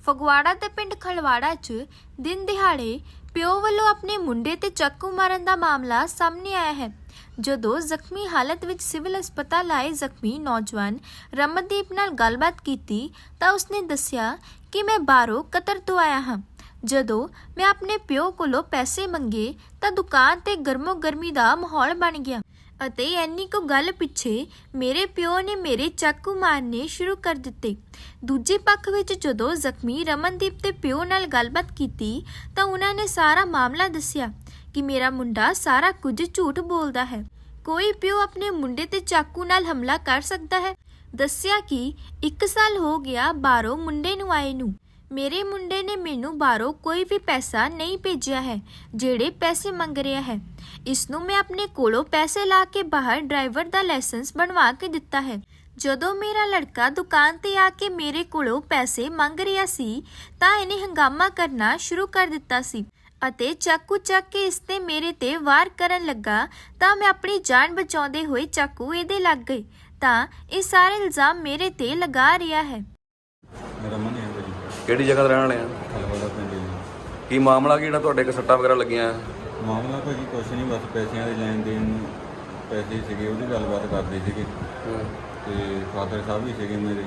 ਫਗਵਾੜਾ ਤੇ ਪਿੰਡ ਖਲਵਾੜਾ 'ਚ ਦਿਨ ਦਿਹਾੜੇ ਪਿਓ ਵੱਲੋਂ ਆਪਣੇ ਮੁੰਡੇ ਤੇ ਚਾਕੂ ਮਾਰਨ ਦਾ ਮਾਮਲਾ ਸਾਹਮਣੇ ਆਇਆ ਹੈ। ਜਦੋਂ ਜ਼ਖਮੀ ਹਾਲਤ ਵਿੱਚ ਸਿਵਲ ਹਸਪਤਾਲ ਆਏ ਜ਼ਖਮੀ ਨੌਜਵਾਨ ਰਮਨਦੀਪ ਨਾਲ ਗੱਲਬਾਤ ਕੀਤੀ ਤਾਂ ਉਸਨੇ ਦੱਸਿਆ ਕਿ ਮੈਂ ਬਾਹਰੋਂ ਕਤਰ ਤੋਂ ਆਇਆ ਹਾਂ। ਜਦੋਂ ਮੈਂ ਆਪਣੇ ਪਿਓ ਕੋਲੋਂ ਪੈਸੇ ਮੰਗੇ ਤਾਂ ਦੁਕਾਨ ਤੇ ਗਰਮੋ ਗਰਮੀ ਦਾ ਮਾਹੌਲ ਬਣ ਗਿਆ ਅਤੇ ਇੰਨੀ ਕੁ ਗੱਲ ਪਿੱਛੇ ਮੇਰੇ ਪਿਓ ਨੇ ਮੇਰੇ ਚਾਕੂ ਮਾਰਨੇ ਸ਼ੁਰੂ ਕਰ ਦਿੱਤੇ। ਦੂਜੇ ਪੱਖ ਵਿੱਚ ਜਦੋਂ ਜ਼ਖਮੀ ਰਮਨਦੀਪ ਦੇ ਪਿਓ ਨਾਲ ਗੱਲਬਾਤ ਕੀਤੀ ਤਾਂ ਉਹਨਾਂ ਨੇ ਸਾਰਾ ਮਾਮਲਾ ਦੱਸਿਆ ਕਿ ਮੇਰਾ ਮੁੰਡਾ ਸਾਰਾ ਕੁਝ ਝੂਠ ਬੋਲਦਾ ਹੈ। ਕੋਈ ਪਿਓ ਆਪਣੇ ਮੁੰਡੇ ਤੇ ਚਾਕੂ ਨਾਲ ਹਮਲਾ ਕਰ ਸਕਦਾ ਹੈ। ਦੱਸਿਆ ਕਿ 1 ਸਾਲ ਹੋ ਗਿਆ ਬਾਹਰੋਂ ਮੁੰਡੇ ਨੂੰ ਆਏ ਨੂੰ। ਮੇਰੇ ਮੁੰਡੇ ਨੇ ਮੈਨੂੰ ਬਾਹਰੋਂ ਕੋਈ ਵੀ ਪੈਸਾ ਨਹੀਂ ਭੇਜਿਆ ਹੈ। ਜਿਹੜੇ ਪੈਸੇ ਮੰਗ ਰਿਹਾ ਹੈ ਇਸ ਨੂੰ ਮੈਂ ਆਪਣੇ ਕੋਲੋਂ ਪੈਸੇ ਲਾ ਕੇ ਬਾਹਰ ਡਰਾਈਵਰ ਦਾ ਲਾਇਸੈਂਸ ਬਣਵਾ ਕੇ ਦਿੱਤਾ ਹੈ। ਜਦੋਂ ਮੇਰਾ ਲੜਕਾ ਦੁਕਾਨ ਤੇ ਆ ਕੇ ਮੇਰੇ ਕੋਲੋਂ ਪੈਸੇ ਮੰਗ ਰਿਹਾ ਸੀ ਤਾਂ ਇਹਨੇ ਹੰਗਾਮਾ ਕਰਨਾ ਸ਼ੁਰੂ ਕਰ ਦਿੱਤਾ ਸੀ ਅਤੇ ਚਾਕੂ ਚੱਕ ਕੇ ਇਸ ਤੇ ਮੇਰੇ ਤੇ ਵਾਰ ਕਰਨ ਲੱਗਾ ਤਾਂ ਮੈਂ ਆਪਣੀ ਜਾਨ ਬਚਾਉਂਦੇ ਹੋਏ ਚਾਕੂ ਇਹਦੇ ਲੱਗ ਗਏ ਤਾਂ ਇਹ ਸਾਰੇ ਇਲਜ਼ਾਮ ਮੇਰੇ ਤੇ ਲਗਾ ਰਿਹਾ ਹੈ। ਮੇਰਾ ਮਨ ਹੈ ਜੀ। ਕਿਹੜੀ ਜਗ੍ਹਾ ਤੇ ਰਹਿਣ ਵਾਲੇ ਆ? ਖਲਵਾੜਾ ਪਿੰਡ ਜੀ। ਕੀ ਮਾਮਲਾ ਕੀ ਜਿਹੜਾ ਤੁਹਾਡੇ ਕੋ ਸੱਟਾਂ ਵਗੈਰਾ ਲੱਗੀਆਂ? ਮਾਮਲਾ ਭਾਜੀ ਕੁਛ ਨਹੀਂ, ਬਸ ਪੈਸਿਆਂ ਦੇ ਲੈਣ ਦੇਣ ਨੂੰ ਪੈਸੇ ਸੀਗੇ, ਉਹਦੀ ਗੱਲਬਾਤ ਕਰਦੇ ਸੀਗੇ ਤੇ ਫਾਦਰ ਸਾਹਿਬ ਵੀ ਸੀਗੇ ਮੇਰੇ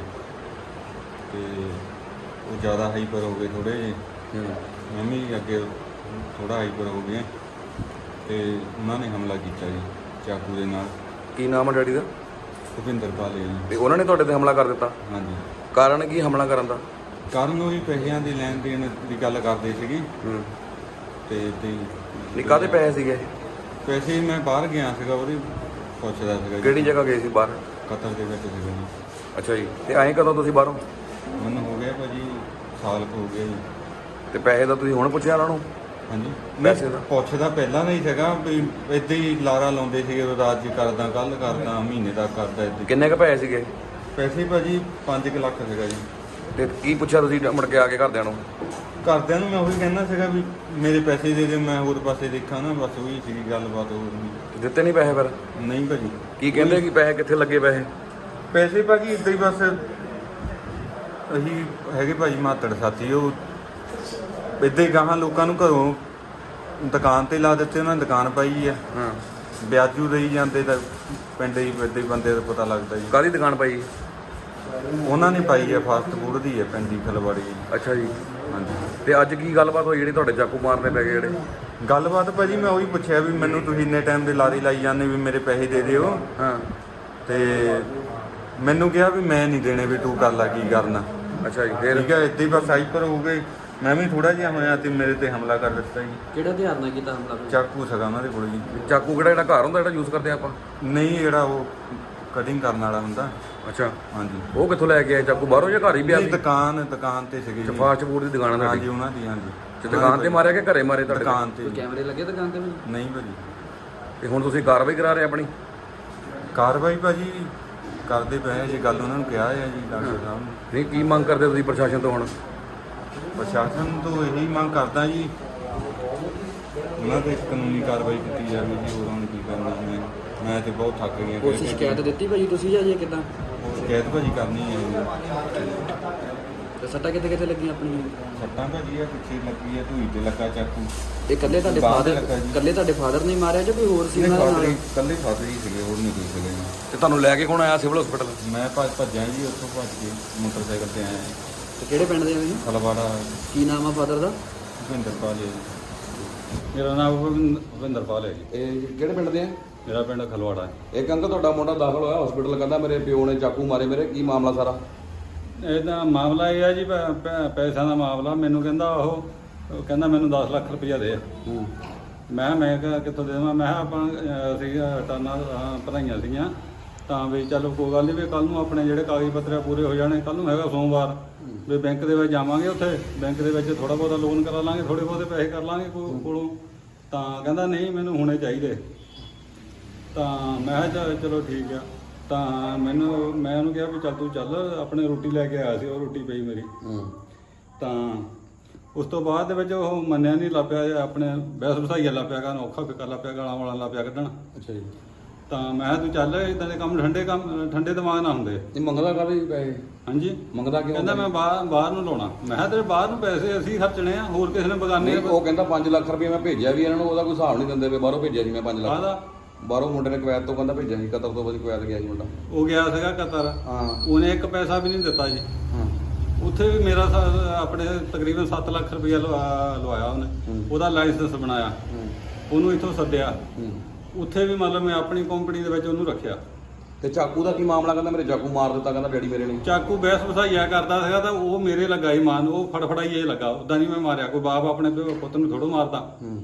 ਤੇ ਉਹ ਜ਼ਿਆਦਾ ਹਾਈਪਰ ਹੋ ਗਏ ਥੋੜ੍ਹੇ ਜਿਹੇ। ਮੈਂ ਵੀ ਅੱਗੇ ਥੋੜ੍ਹਾ ਹਾਈਪਰ ਹੋ ਗਿਆ ਤੇ ਉਹਨਾਂ ਨੇ ਹਮਲਾ ਕੀਤਾ ਜੀ ਚਾਕੂ ਦੇ ਨਾਲ। ਕੀ ਨਾਮ ਹੈ ਡੈਡੀ ਦਾ? ਭੁਪਿੰਦਰ ਪਾਲੇ ਜੀ। ਤੇ ਉਹਨਾਂ ਨੇ ਤੁਹਾਡੇ ਤੇ ਹਮਲਾ ਕਰ ਦਿੱਤਾ? ਹਾਂਜੀ। ਕਾਰਨ ਕੀ ਹਮਲਾ ਕਰਨ ਦਾ? ਕਾਰਨ ਉਹੀ ਪੈਸਿਆਂ ਦੇ ਲੈਣ ਦੇਣ ਦੀ ਗੱਲ ਕਰਦੇ ਸੀਗੇ ਤੇ ਨਹੀਂ, ਕਾਹਦੇ ਪੈਸੇ ਸੀਗੇ? ਪੈਸੇ ਮੈਂ ਬਾਹਰ ਗਿਆ ਸੀਗਾ, ਉਹਦੀ ਪੁੱਛਦਾ ਸੀਗਾ ਜੀ। ਕਿਹੜੀ ਜਗ੍ਹਾ ਗਏ ਸੀ ਬਾਹਰ? ਕਤਰ ਦੇ ਵਿੱਚ ਸੀਗਾ ਜੀ। ਅੱਛਾ ਜੀ। ਤੇ ਆਏ ਕਦੋਂ ਤੁਸੀਂ ਬਾਹਰੋਂ? ਮੈਨੂੰ ਹੋ ਗਿਆ ਭਾਜੀ ਸਾਲ ਕੁ ਹੋ ਗਿਆ ਜੀ। ਤੇ ਪੈਸੇ ਦਾ ਤੁਸੀਂ ਹੁਣ ਪੁੱਛਿਆ ਉਹਨਾਂ ਨੂੰ? ਹਾਂਜੀ। ਪੈਸੇ ਦਾ ਪੁੱਛਦਾ ਪਹਿਲਾਂ ਨਹੀਂ ਸੀਗਾ ਵੀ ਇੱਦਾਂ ਹੀ ਲਾਰਾ ਲਾਉਂਦੇ ਸੀਗੇ, ਰਾਤ ਜੀ ਕਰਦਾ, ਕੱਲ ਕਰਦਾ, ਮਹੀਨੇ ਦਾ ਕਰਦਾ ਇੱਦਾਂ। ਕਿੰਨੇ ਕੁ ਪੈਸੇ ਸੀਗੇ? ਪੈਸੇ ਭਾਜੀ 5 ਲੱਖ ਸੀਗਾ ਜੀ। ਤੇ ਕੀ ਪੁੱਛਿਆ ਤੁਸੀਂ ਮੁੜ ਕੇ ਆ ਕੇ ਘਰਦਿਆਂ ਨੂੰ? ਘਰਦਿਆਂ ਨੂੰ ਮੈਂ ਉਹੀ ਕਹਿੰਦਾ ਸੀਗਾ ਵੀ ਮੇਰੇ ਪੈਸੇ ਦੇ ਦੇ, ਮੈਂ ਹੋਰ ਪਾਸੇ ਦੇਖਾਂ ਨਾ, ਬਸ ਉਹੀ ਸੀਗੀ ਗੱਲਬਾਤ, ਹੋਰ ਨਹੀਂ। ਦਿੱਤੇ ਨਹੀਂ ਪੈਸੇ ਫਿਰ? ਨਹੀਂ ਭਾਜੀ। ਕੀ ਕਹਿੰਦੇ ਕਿ ਪੈਸੇ ਕਿੱਥੇ ਲੱਗੇ? ਪੈਸੇ ਭਾਜੀ ਇੱਦਾਂ ਹੀ ਬਸ ਅਸੀਂ ਹੈਗੇ ਭਾਜੀ ਮਾਤੜ ਸਾਥੀ, ਉਹ ਇੱਦਾਂ ਹੀ ਗਾਹਾਂ ਲੋਕਾਂ ਨੂੰ ਘਰੋਂ ਦੁਕਾਨ ਤੇ ਲਾ ਦਿੱਤੇ, ਉਹਨਾਂ ਨੇ ਦੁਕਾਨ ਪਾਈ ਆ। ਹਾਂ। ਵਿਆਜੂ ਦੇਈ ਜਾਂਦੇ ਤਾਂ ਪਿੰਡ ਹੀ ਇੱਦਾਂ ਹੀ ਬੰਦੇ ਦਾ ਪਤਾ ਲੱਗਦਾ ਜੀ। ਕਾਹਦੀ ਦੁਕਾਨ ਪਾਈ? ਉਹਨਾਂ ਨੇ ਪਾਈ ਆ ਫਾਸਟ ਫੂਡ ਦੀ ਹੈ ਪਿੰਡੀ ਖਲਵਾੜੀ। ਅੱਛਾ ਜੀ। ਹਾਂਜੀ। ਤੇ ਅੱਜ ਕੀ ਗੱਲਬਾਤ ਹੋਈ ਜਿਹੜੀ ਤੁਹਾਡੇ ਚਾਕੂ ਮਾਰਨੇ ਪੈ ਗਏ ਜਿਹੜੇ? ਗੱਲਬਾਤ ਭਾਜੀ ਮੈਂ ਉਹੀ ਪੁੱਛਿਆ ਵੀ ਮੈਨੂੰ ਤੁਸੀਂ ਇੰਨੇ ਟਾਈਮ ਦੇ ਲਾਰੀ ਲਾਈ ਜਾਂਦੇ ਵੀ ਮੇਰੇ ਪੈਸੇ ਦੇ ਦਿਓ। ਹਾਂ। ਤੇ ਮੈਨੂੰ ਕਿਹਾ ਵੀ ਮੈਂ ਨਹੀਂ ਦੇਣੇ, ਵੀ ਤੂੰ ਕਰ ਲੈ ਕੀ ਕਰਨਾ। ਅੱਛਾ ਜੀ। ਫਿਰ ਠੀਕ ਹੈ, ਇੱਦਾਂ ਹੀ ਬਸ ਹਾਈਪਰ ਹੋ ਗਏ। ਮੈਂ ਵੀ ਥੋੜਾ ਜਿਹਾ ਹੋਇਆ ਤੇ ਮੇਰੇ ਤੇ ਹਮਲਾ ਕਰ ਦਿੱਤਾ ਜੀ। ਕਿਹੜਾ ਹਥਿਆਰ ਨਾਲ ਕੀਤਾ ਹਮਲਾ? ਚਾਕੂ ਸੀਗਾ ਉਹਨਾਂ ਦੇ ਕੋਲ ਜੀ। ਚਾਕੂ ਕਿਹੜਾ ਜਿਹੜਾ ਘਰ ਹੁੰਦਾ ਜਿਹੜਾ ਯੂਜ਼ ਕਰਦੇ ਆਪਾਂ? ਨਹੀਂ, ਜਿਹੜਾ ਉਹ ਕਟਿੰਗ ਕਰਨ ਵਾਲਾ ਹੁੰਦਾ। ਅੱਛਾ। ਹਾਂਜੀ। ਉਹ ਕਿੱਥੋਂ ਲੈ ਕੇ ਆਏ ਚਾਕੂ? ਬਾਹਰੋਂ ਜਾਂ ਘਰ ਹੀ ਪਿਆ ਸੀ? ਦੁਕਾਨ ਤੇ ਸੀਗੇ ਜੀ। ਫਾਸਟ ਫੂਡ ਦੀ ਦੁਕਾਨ ਹੈ ਹਾਂਜੀ, ਉਹਨਾਂ ਦੀ। ਹਾਂਜੀ। ਤੇ ਦੁਕਾਨ ਤੇ ਮਾਰਿਆ ਕਿ ਘਰੇ ਮਾਰੇ ਤੁਹਾਡੇ? ਦੁਕਾਨ ਤੇ। ਕੋਈ ਕੈਮਰੇ ਲੱਗੇ ਦੁਕਾਨ ਤੇ ਵੀ? ਨਹੀਂ ਭਾਜੀ। ਤੇ ਹੁਣ ਤੁਸੀਂ ਕਾਰਵਾਈ ਕਰਾ ਰਹੇ ਆਪਣੀ? ਕਾਰਵਾਈ ਭਾਜੀ ਕਰਦੇ ਪਏ ਆ ਜੀ, ਗੱਲ ਉਹਨਾਂ ਨੂੰ ਕਿਹਾ ਹੈ ਜੀ ਡਾਕਟਰ ਸਾਹਿਬ ਨੂੰ। ਨਹੀਂ, ਕੀ ਮੰਗ ਕਰਦੇ ਤੁਸੀਂ ਪ੍ਰਸ਼ਾਸਨ ਤੋਂ ਹੁਣ? ਪ੍ਰਸ਼ਾਸਨ ਤੋਂ ਇਹੀ ਮੰਗ ਕਰਦਾ ਜੀ ਉਹਨਾਂ ਤੇ ਕਾਨੂੰਨੀ ਕਾਰਵਾਈ ਕੀਤੀ ਜਾਵੇ ਜੀ, ਹੋਰ ਹੁਣ ਕੀ ਕਰਨਾ। ਮੈਂ ਤੇ ਬਹੁਤ ਥੱਕ ਗਿਆ। ਪੁਲਿਸ ਸ਼ਿਕਾਇਤ ਦਿੱਤੀ ਭਾਜੀ ਤੁਸੀਂ ਜਾਂ ਜੇ ਕਿੱਦਾਂ? ਸ਼ਿਕਾਇਤ ਭਾਜੀ ਕਰਨੀ ਹੈ ਜੀ। ਤੇ ਸੱਟਾਂ ਕਿੱਥੇ ਕਿੱਥੇ ਲੱਗੀਆਂ ਆਪਣੀਆਂ? ਸੱਟਾਂ ਭਾਜੀ ਆ ਪਿੱਛੇ ਲੱਗੀ ਆ, ਢੂਈ ਤੇ ਲੱਗਾ ਚਾਕੂ। ਇਹ ਇਕੱਲੇ ਤੁਹਾਡੇ ਬਾਹਰ ਫਾਦਰ ਲੱਗਾ ਜੀ। ਇਕੱਲੇ ਤੁਹਾਡੇ ਫਾਦਰ ਨੇ ਮਾਰਿਆ ਜਾਂ ਕੋਈ ਹੋਰ ਸੀ ਉਹਨਾਂ ਨਾਲ? ਇਕੱਲੇ ਫਾਦਰ ਹੀ ਸੀਗੇ, ਹੋਰ ਨਹੀਂ ਕੋਈ ਸੀਗੇ ਜੀ। ਤੇ ਤੁਹਾਨੂੰ ਲੈ ਕੇ ਕੌਣ ਆਇਆ ਸਿਵਲ ਹਸਪੀਟਲ? ਮੈਂ ਭੱਜਿਆ ਜੀ, ਉੱਥੋਂ ਭੱਜ ਕੇ ਮੋਟਰਸਾਈਕਲ ਤੇ ਆਇਆ। ਤੇ ਕਿਹੜੇ ਪਿੰਡ ਦੇ ਆ ਜੀ? ਖਲਵਾੜਾ। ਕੀ ਨਾਮ ਆ ਫਾਦਰ ਦਾ? ਭੁਪਿੰਦਰ ਪਾਲ ਹੈ ਜੀ। ਮੇਰਾ ਨਾਮ ਭੁਪਿੰਦਰ ਪਾਲ ਹੈ ਜੀ। ਇਹ ਕਿਹੜੇ ਪਿੰਡ ਦੇ ਆ? ਮੇਰਾ ਪਿੰਡ ਖਲਵਾੜਾ ਹੈ। ਇੱਕ ਅੰਕਲ ਤੁਹਾਡਾ ਮੁੰਡਾ ਦਾਖਲ ਹੋਇਆ ਹਸਪੀਟਲ, ਕਹਿੰਦਾ ਮੇਰੇ ਪਿਓ ਨੇ ਚਾਕੂ ਮਾਰੇ ਮੇਰੇ। ਕੀ ਮਾਮਲਾ ਸਾਰਾ? ਇਹਦਾ ਮਾਮਲਾ ਇਹ ਆ ਜੀ, ਪੈਸਿਆਂ ਦਾ ਮਾਮਲਾ। ਮੈਨੂੰ ਕਹਿੰਦਾ ਉਹ ਕਹਿੰਦਾ ਮੈਨੂੰ 10 ਲੱਖ ਰੁਪਈਆ ਦੇ। ਮੈਂ ਕਿਹਾ ਕਿੱਥੋਂ ਦੇ ਦੇਵਾਂ? ਮੈਂ ਕਿਹਾ ਆਪਾਂ ਅਸੀਂ ਟਾਨਾ ਭਰਾਈਆਂ ਸੀਗੀਆਂ ਤਾਂ ਵੀ ਚਲੋ ਕੋਈ ਗੱਲ ਨਹੀਂ, ਵੀ ਕੱਲ੍ਹ ਨੂੰ ਆਪਣੇ ਜਿਹੜੇ ਕਾਗਜ਼ ਪੱਤਰ ਪੂਰੇ ਹੋ ਜਾਣੇ। ਕੱਲ੍ਹ ਨੂੰ ਹੈਗਾ ਸੋਮਵਾਰ, ਵੀ ਬੈਂਕ ਦੇ ਵਿੱਚ ਜਾਵਾਂਗੇ, ਉੱਥੇ ਬੈਂਕ ਦੇ ਵਿੱਚ ਥੋੜ੍ਹਾ ਬਹੁਤਾ ਲੋਨ ਕਰਾ ਲਾਂਗੇ, ਥੋੜ੍ਹੇ ਬਹੁਤੇ ਪੈਸੇ ਕਰ ਲਾਂਗੇ ਕੋਲੋਂ। ਤਾਂ ਕਹਿੰਦਾ ਨਹੀਂ ਮੈਨੂੰ ਹੁਣੇ ਚਾਹੀਦੇ। ਤਾਂ ਮੈਂ ਕਿਹਾ ਚਲੋ ਠੀਕ ਆ। ਤਾਂ ਮੈਂ ਉਹਨੂੰ ਕਿਹਾ ਵੀ ਚੱਲ ਤੂੰ ਚੱਲ, ਆਪਣੇ ਰੋਟੀ ਲੈ ਕੇ ਆਇਆ ਸੀ, ਉਹ ਰੋਟੀ ਪਈ ਮੇਰੀ। ਤਾਂ ਉਸ ਤੋਂ ਬਾਅਦ ਦੇ ਵਿੱਚ ਉਹ ਮੰਨਿਆ ਨਹੀਂ, ਲੱਪਿਆ ਆਪਣੇ ਬਹਿਸ ਬਸਾਈਆ ਲੱਪਿਆ ਕਰਨ, ਔਖਾ ਫਿੱਕਾ ਲੱਪਿਆ, ਗਾਲਾਂ ਵਾਲਾ ਲੱਪਿਆ ਕੱਢਣ। ਅੱਛਾ ਜੀ। ਤਾਂ ਮੈਂ ਕਿਹਾ ਤੂੰ ਚੱਲ, ਇਦਾਂ ਦੇ ਕੰਮ ਠੰਡੇ ਦਿਮਾਗ ਨਾਲ ਹੁੰਦੇ। ਇਹ ਮੰਗਦਾ ਕਾਹਦੇ ਪੈਸੇ? ਹਾਂਜੀ, ਮੰਗਦਾ ਕਿਉਂ? ਕਹਿੰਦਾ ਮੈਂ ਬਾਹਰ ਨੂੰ ਲਾਉਣਾ। ਮੈਂ ਕਿਹਾ ਤੇਰੇ ਬਾਹਰ ਨੂੰ ਪੈਸੇ ਅਸੀਂ ਖਰਚਣੇ ਆ, ਹੋਰ ਕਿਸੇ ਨੇ ਬਗਾਨੇ ਨਹੀਂ, ਉਹ ਕਹਿੰਦਾ 5 ਲੱਖ ਰੁਪਏ ਮੈਂ ਭੇਜਿਆ ਵੀ ਇਹਨਾਂ ਨੂੰ, ਉਹਦਾ ਕੋਈ ਹਿਸਾਬ ਨਹੀਂ ਦਿੰਦੇ ਪਏ। ਬਾਹਰੋਂ ਭੇਜਿਆ ਸੀ ਮੈਂ 5 ਲੱਖ, ਕਾਹਦਾ? ਬਾਹਰੋਂ ਮੁੰਡੇ ਨੇ ਕੁਵੈਤ ਤੋਂ ਕਹਿੰਦਾ ਭੇਜਿਆ ਸੀ, ਕਤਰ ਤੋਂ ਕੁਵੈਤ ਗਿਆ ਸੀ ਮੁੰਡਾ। ਉਹ ਗਿਆ ਸੀਗਾ ਕਤਰ, ਹਾਂ ਉਹਨੇ ਇੱਕ ਪੈਸਾ ਵੀ ਨਹੀਂ ਦਿੱਤਾ ਜੀ। ਹਾਂ ਉੱਥੇ ਵੀ ਮੇਰਾ ਆਪਣੇ ਤਕਰੀਬਨ 7 ਲੱਖ ਰੁਪਇਆ ਲਵਾਇਆ ਉਹਨੇ। ਉਹਦਾ ਲਾਇਸੈਂਸ ਬਣਾਇਆ, ਉਹਨੂੰ ਇੱਥੋਂ ਸੱਦਿਆ। ਉੱਥੇ ਵੀ ਮਤਲਬ ਮੈਂ ਆਪਣੀ ਕੰਪਨੀ ਦੇ ਵਿੱਚ ਉਹਨੂੰ ਰੱਖਿਆ। ਤੇ ਚਾਕੂ ਦਾ ਕੀ ਮਾਮਲਾ? ਕਹਿੰਦਾ ਮੇਰੇ ਚਾਕੂ ਮਾਰ ਦਿੱਤਾ, ਕਹਿੰਦਾ ਡੈਡੀ ਮੇਰੇ ਨੇ। ਚਾਕੂ ਬਹਿਸ ਵਸਾਈਆ ਕਰਦਾ ਸੀਗਾ ਤਾਂ ਉਹ ਮੇਰੇ ਲੱਗਾ ਹੀ ਮਾਨ, ਉਹ ਫੜਫੜਾਈ ਇਹ ਲੱਗਾ। ਉਦਾਂ ਨਹੀਂ ਮੈਂ ਮਾਰਿਆ, ਕੋਈ ਬਾਪ ਆਪਣੇ ਪੁੱਤ ਨੂੰ ਥੋੜੋ ਮਾਰਦਾ।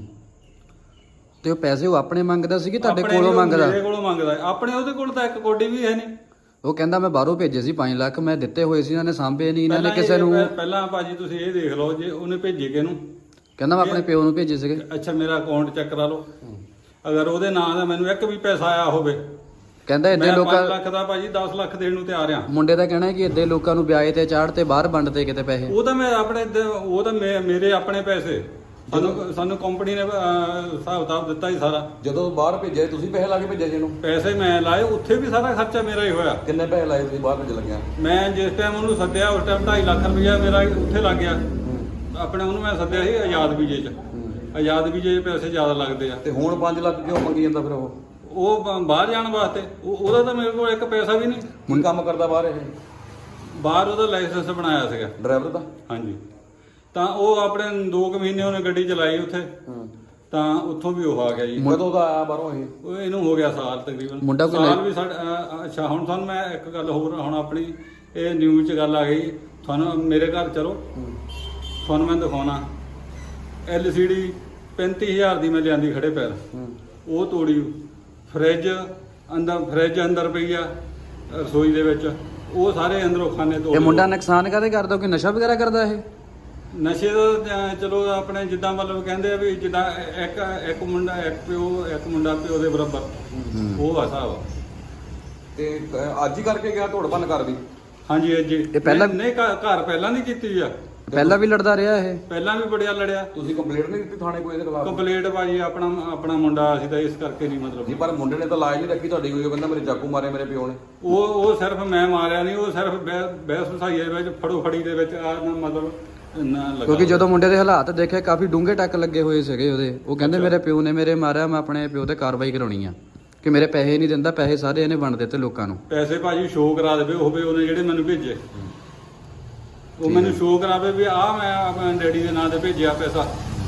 ਤੇ ਉਹ ਪੈਸੇ ਉਹ ਆਪਣੇ ਮੰਗਦਾ ਸੀ ਕਿ ਤੁਹਾਡੇ ਆਪਣੇ ਕੋਲੋਂ ਵੀ ਮੰਗਦਾ? ਮੇਰੇ ਕੋਲੋਂ ਮੰਗਦਾ। ਆਪਣੇ ਉਹਦੇ ਕੋਲ ਤਾਂ ਇੱਕ ਕੋਡੀ ਵੀ ਹੈ ਨਹੀਂ। ਉਹ ਕਹਿੰਦਾ ਮੈਂ ਬਾਹਰੋਂ ਭੇਜੇ ਸੀ 5 ਲੱਖ, ਮੈਂ ਦਿੱਤੇ ਹੋਏ ਸੀ, ਇਹਨਾਂ ਨੇ ਸਾਂਭੇ ਨਹੀਂ, ਇਹਨਾਂ ਨੇ ਕਿਸੇ ਨੂੰ। ਪਹਿਲਾਂ ਭਾਜੀ ਤੁਸੀਂ ਇਹ ਦੇਖ ਲਓ, ਜੇ ਉਹਨੇ ਭੇਜੇ ਕਿਹਨੂੰ? ਕਹਿੰਦਾ ਮੈਂ ਆਪਣੇ ਪਿਓ ਨੂੰ ਭੇਜੇ ਸੀਗੇ। ਅੱਛਾ, ਮੇਰਾ ਅਕਾਊਂਟ ਚੈੱਕ ਕਰਾ ਲਓ, ਅਗਰ ਉਹਦੇ ਨਾਂ ਦਾ ਮੈਨੂੰ ਇੱਕ ਵੀ ਪੈਸਾ ਆਇਆ ਹੋਵੇ। ਕਹਿੰਦਾ ਮੈਂ ਇੱਦੇ 5 ਲੋਕਾਂ ਲੱਖ ਦਾ ਭਾਜੀ 10 ਲੱਖ ਦੇਣ ਨੂੰ ਤਿਆਰ ਆ। ਮੁੰਡੇ ਦਾ ਕਹਿਣਾ ਹੈ ਕਿ ਇੱਦੇ ਲੋਕਾਂ ਨੂੰ ਵਿਆਜ ਤੇ ਚਾੜ ਤੇ ਬਾਹਰ ਵੰਡਦੇ ਕਿਤੇ ਪੈਸੇ। ਉਹ ਤਾਂ ਮੈਂ ਆਪਣੇ ਉਹ ਤਾਂ ਮੇਰੇ ਆਪਣੇ ਪੈਸੇ, ਸਾਨੂੰ ਕੰਪਨੀ ਨੇ ਹਿਸਾਬ ਕਿਤਾਬ ਦਿੱਤਾ ਹੀ ਸਾਰਾ। ਜਦੋਂ ਬਾਹਰ ਭੇਜਿਆ ਤੁਸੀਂ ਪੈਸੇ ਲਾ ਕੇ ਭੇਜਿਆ ਜੀ ਇਹਨੂੰ? ਪੈਸੇ ਮੈਂ ਲਾਏ, ਉੱਥੇ ਵੀ ਸਾਰਾ ਖਰਚਾ ਮੇਰਾ ਹੀ ਹੋਇਆ। ਕਿੰਨੇ ਪੈਸੇ ਲਾਏ ਤੁਸੀਂ ਬਾਹਰ ਭੇਜ ਲੱਗਿਆ? ਮੈਂ ਜਿਸ ਟਾਈਮ ਉਹਨੂੰ ਸੱਦਿਆ ਉਸ ਟਾਈਮ 2.5 ਲੱਖ ਰੁਪਇਆ ਮੇਰਾ ਉੱਥੇ ਲੱਗ ਗਿਆ। ਆਪਣੇ ਉਹਨੂੰ ਮੈਂ ਸੱਦਿਆ ਸੀ ਆਜ਼ਾਦ ਵੀਜੇ 'ਚ। ਆਜ਼ਾਦ ਵੀਜੇ 'ਚ ਪੈਸੇ ਜ਼ਿਆਦਾ ਲੱਗਦੇ ਆ। ਤੇ ਹੁਣ 5 ਲੱਖ ਕਿਉਂ ਮੰਗੀ ਜਾਂਦਾ ਫਿਰ ਉਹ ਬਾਹਰ ਜਾਣ ਵਾਸਤੇ? ਉਹਦਾ ਤਾਂ ਮੇਰੇ ਕੋਲ ਇੱਕ ਪੈਸਾ ਵੀ ਨਹੀਂ। ਹੁਣ ਕੰਮ ਕਰਦਾ ਬਾਹਰ ਇਹ? ਬਾਹਰ ਉਹਦਾ ਲਾਇਸੈਂਸ ਬਣਾਇਆ ਸੀਗਾ ਡਰਾਈਵਰ ਦਾ? ਹਾਂਜੀ। ਤਾਂ ਉਹ ਆਪਣੇ 2 ਮਹੀਨੇ ਉਹਨੇ ਗੱਡੀ ਚਲਾਈ ਉੱਥੇ, ਤਾਂ ਉੱਥੋਂ ਵੀ ਉਹ ਆ ਗਿਆ ਜੀ। ਕਦੋਂ ਦਾ ਆਇਆ ਬਾਹਰੋਂ ਇਹ? ਉਹ ਇਹਨੂੰ ਹੋ ਗਿਆ ਸਾਲ ਤਕਰੀਬਨ। ਮੁੰਡਾ ਕੋਈ ਸਾਲ ਵੀ ਅੱਛਾ, ਹੁਣ ਤੁਹਾਨੂੰ ਮੈਂ ਇੱਕ ਗੱਲ ਹੋਰ, ਹੁਣ ਆਪਣੀ ਇਹ ਨਿਊਜ਼ 'ਚ ਗੱਲ ਆ ਗਈ। ਤੁਹਾਨੂੰ ਮੇਰੇ ਘਰ ਚਲੋ, ਤੁਹਾਨੂੰ ਮੈਂ ਦਿਖਾਉਣਾ। LCD 35,000 ਦੀ ਮੈਂ ਲਿਆਂਦੀ ਖੜੇ ਪੈਰ, ਉਹ ਤੋੜੀ। ਫਰਿੱਜ ਅੰਦਰ ਪਈ ਆ ਰਸੋਈ ਦੇ ਵਿੱਚ, ਉਹ ਸਾਰੇ ਅੰਦਰੋਂ ਖਾਨੇ ਤੋੜ। ਇਹ ਮੁੰਡਾ ਨੁਕਸਾਨ ਕਾਹਦੇ ਕਰਦਾ? ਕਿ ਨਸ਼ਾ ਵਗੈਰਾ ਕਰਦਾ ਇਹ? ਨਸ਼ੇ ਦਾ ਚਲੋ ਆਪਣੇ ਜਿੱਦਾਂ ਮਤਲਬ ਕਹਿੰਦੇ ਆ ਵੀ ਜਿੱਦਾਂ ਇੱਕ ਮੁੰਡਾ ਇੱਕ ਮੁੰਡਾ ਪਿਓ ਦੇ ਬਰਾਬਰ, ਉਹ ਆ ਹਿਸਾਬ। ਤੇ ਅੱਜ ਹੀ ਕਰਕੇ ਗਿਆ ਧੋੜ ਭੰਨ ਕਰ ਦੀ? ਹਾਂਜੀ ਅੱਜ ਇਹ ਪਹਿਲਾਂ ਨਹੀਂ, ਘਰ ਪਹਿਲਾਂ ਨਹੀਂ ਕੀਤੀ ਆ। ਪਹਿਲਾਂ ਵੀ ਲੜਦਾ ਰਿਹਾ ਇਹ? ਪਹਿਲਾਂ ਵੀ ਬੜਿਆ ਲੜਿਆ। ਤੁਸੀਂ ਕੰਪਲੇਂਟ ਨਹੀਂ ਦਿੱਤੀ ਥਾਣੇ ਕੋਈ ਇਹਦੇ ਖਿਲਾਫ? ਕੰਪਲੀਟ ਭਾਜੀ ਆਪਣਾ ਮੁੰਡਾ ਅਸੀਂ ਤਾਂ ਇਸ ਕਰਕੇ ਨਹੀਂ ਮਤਲਬ। ਨਹੀਂ, ਪਰ ਮੁੰਡੇ ਨੇ ਤਾਂ ਲਾਜ ਨਹੀਂ ਰੱਖੀ ਤੁਹਾਡੀ ਕੋਈ। ਉਹ ਕਹਿੰਦਾ ਮੇਰੇ ਚਾਕੂ ਮਾਰੇ ਮੇਰੇ ਪਿਓ ਨੇ। ਉਹ ਸਿਰਫ ਮੈਂ ਮਾਰਿਆ ਨਹੀਂ, ਉਹ ਸਿਰਫ ਬਹਿਸ ਵਸਾਈਏ ਵਿੱਚ ਫੜੀ ਦੇ ਵਿੱਚ ਆ ਮਤਲਬ ਨਾ ਲੱਗਾ। ਕਿਉਂਕਿ ਜਦੋਂ ਮੁੰਡੇ ਦੇ ਹਾਲਾਤ ਦੇਖੇ ਕਾਫੀ ਡੂੰਘੇ ਟੱਕ ਲੱਗੇ ਹੋਏ ਸੀਗੇ ਉਹਦੇ। ਉਹ ਕਹਿੰਦੇ ਮੇਰੇ ਪਿਓ ਨੇ ਮੇਰੇ ਮਾਰਿਆ, ਮੈਂ ਆਪਣੇ ਪਿਓ ਤੇ ਕਾਰਵਾਈ ਕਰਾਉਣੀ ਆ ਕਿ ਮੇਰੇ ਪੈਸੇ ਨਹੀਂ ਦਿੰਦਾ, ਪੈਸੇ ਸਾਰੇ ਇਹਨੇ ਵੰਡ ਦਿੱਤੇ ਲੋਕਾਂ ਨੂੰ। ਪੈਸੇ ਭਾਜੀ ਸ਼ੋਅ ਕਰਾ ਦੇਵੇ ਹੋਵੇ ਉਹਨੇ ਜਿਹੜੇ ਮੈਨੂੰ ਭੇਜੇ, ਉਹ ਮੈਨੂੰ ਸ਼ੋਅ ਕਰਾਵੇ ਵੀ ਆ ਮੈਂ ਆਪਣੇ ਡੈਡੀ ਦੇ ਨਾਂ ਤੇ ਭੇਜਿਆ ਪੈਸਾ।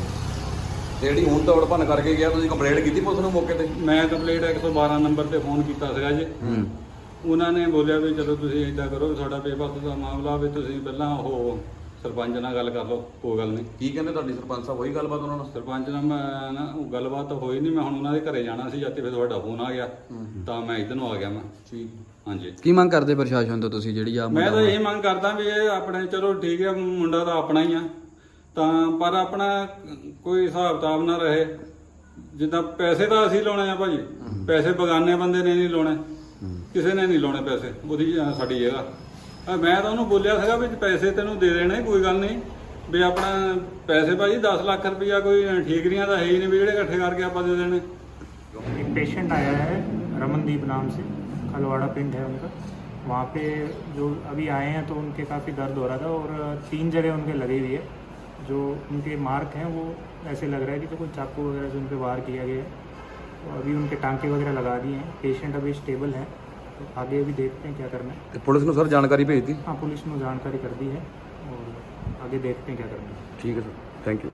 ਤੇ ਜਿਹੜੀ ਹੁਣ ਧੋੜ ਭੰਨ ਕਰਕੇ ਗਿਆ, ਤੁਸੀਂ ਕੰਪਲੇਂਟ ਕੀਤੀ ਪੁਲਿਸ ਨੂੰ ਮੌਕੇ ਤੇ? ਮੈਂ ਕੰਪਲੀਟ 112 ਨੰਬਰ ਤੇ ਫੋਨ ਕੀਤਾ ਸੀਗਾ ਜੀ। ਉਹਨਾਂ ਨੇ ਬੋਲਿਆ ਵੀ ਚਲੋ ਤੁਸੀਂ ਏਦਾਂ ਕਰੋ, ਤੁਹਾਡਾ ਬੇਬਸ ਦਾ ਮਾਮਲਾ ਵੀ ਤੁਸੀਂ ਪਹਿਲਾਂ ਉਹ ਸਰਪੰਚ ਨਾਲ ਗੱਲ ਕਰ ਲਓ, ਕੋਈ ਗੱਲ ਨਹੀਂ। ਕੀ ਕਹਿੰਦੇ ਤੁਹਾਡੀ ਸਰਪੰਚ ਸਾਹਿਬ? ਹੋਈ ਗੱਲਬਾਤ ਉਹਨਾਂ ਨਾਲ? ਸਰਪੰਚ ਨਾਲ ਮੈਂ ਨਾ ਉਹ ਗੱਲਬਾਤ ਤਾਂ ਹੋਈ ਨਹੀਂ। ਮੈਂ ਹੁਣ ਉਹਨਾਂ ਦੇ ਘਰੇ ਜਾਣਾ ਸੀ, ਜਦ ਤੇ ਫਿਰ ਤੁਹਾਡਾ ਫੋਨ ਆ ਗਿਆ ਤਾਂ ਮੈਂ ਇੱਧਰ ਨੂੰ ਆ ਗਿਆ। ਮੈਂ ਠੀਕ। ਹਾਂਜੀ। ਕੀ ਮੰਗ ਕਰਦੇ ਪ੍ਰਸ਼ਾਸਨ ਤੋਂ ਤੁਸੀਂ ਜਿਹੜੀ ਆ? ਮੈਂ ਤਾਂ ਇਹ ਮੰਗ ਕਰਦਾ ਵੀ ਇਹ ਆਪਣੇ ਚਲੋ ਠੀਕ ਹੈ, ਮੁੰਡਾ ਤਾਂ ਆਪਣਾ ਹੀ ਆ, ਤਾਂ ਪਰ ਆਪਣਾ ਕੋਈ ਹਿਸਾਬ ਕਿਤਾਬ ਨਾ ਰਹੇ। ਜਿੱਦਾਂ ਪੈਸੇ ਤਾਂ ਅਸੀਂ ਲਾਉਣੇ ਆ ਭਾਜੀ, ਪੈਸੇ ਬਗਾਨੇ ਬੰਦੇ ਨੇ ਨਹੀਂ ਲਾਉਣੇ, ਕਿਸੇ ਨੇ ਨਹੀਂ ਲਾਉਣੇ ਪੈਸੇ। ਉਹਦੀ ਸਾਡੀ ਜਗ੍ਹਾ। ਮੈਂ ਤਾਂ ਉਹਨੂੰ ਬੋਲਿਆ ਸੀਗਾ ਵੀ ਪੈਸੇ ਤੈਨੂੰ ਦੇ ਦੇਣੇ, ਕੋਈ ਗੱਲ ਨਹੀਂ ਵੀ ਆਪਣਾ ਪੈਸੇ ਭਾਜੀ 10 ਲੱਖ रुपया कोई ठीकरियाँ तो है ही नहीं भी ਜਿਹੜੇ ਇਕੱਠੇ ਕਰਕੇ ਆਪਾਂ ਦੇ ਦੇਣੇ। एक पेशेंट आया है रमनदीप नाम से, खलवाड़ा पिंड है उनका। वहाँ पे जो अभी आए हैं तो उनके काफ़ी दर्द हो रहा था और 3 जगह उनके लगी हुई है। जो उनके मार्क हैं वो ऐसे लग रहा है कि तो कोई चाकू वगैरह से उन पर वार किया गया है। तो अभी उनके टांके वगैरह लगा दिए हैं। पेशेंट अभी स्टेबल है, तो आगे अभी देखते हैं क्या करना है। पुलिस ने सर जानकारी भेज दी? हाँ, पुलिस ने जानकारी कर दी है और आगे देखते हैं क्या करना है। ठीक है सर, थैंक यू।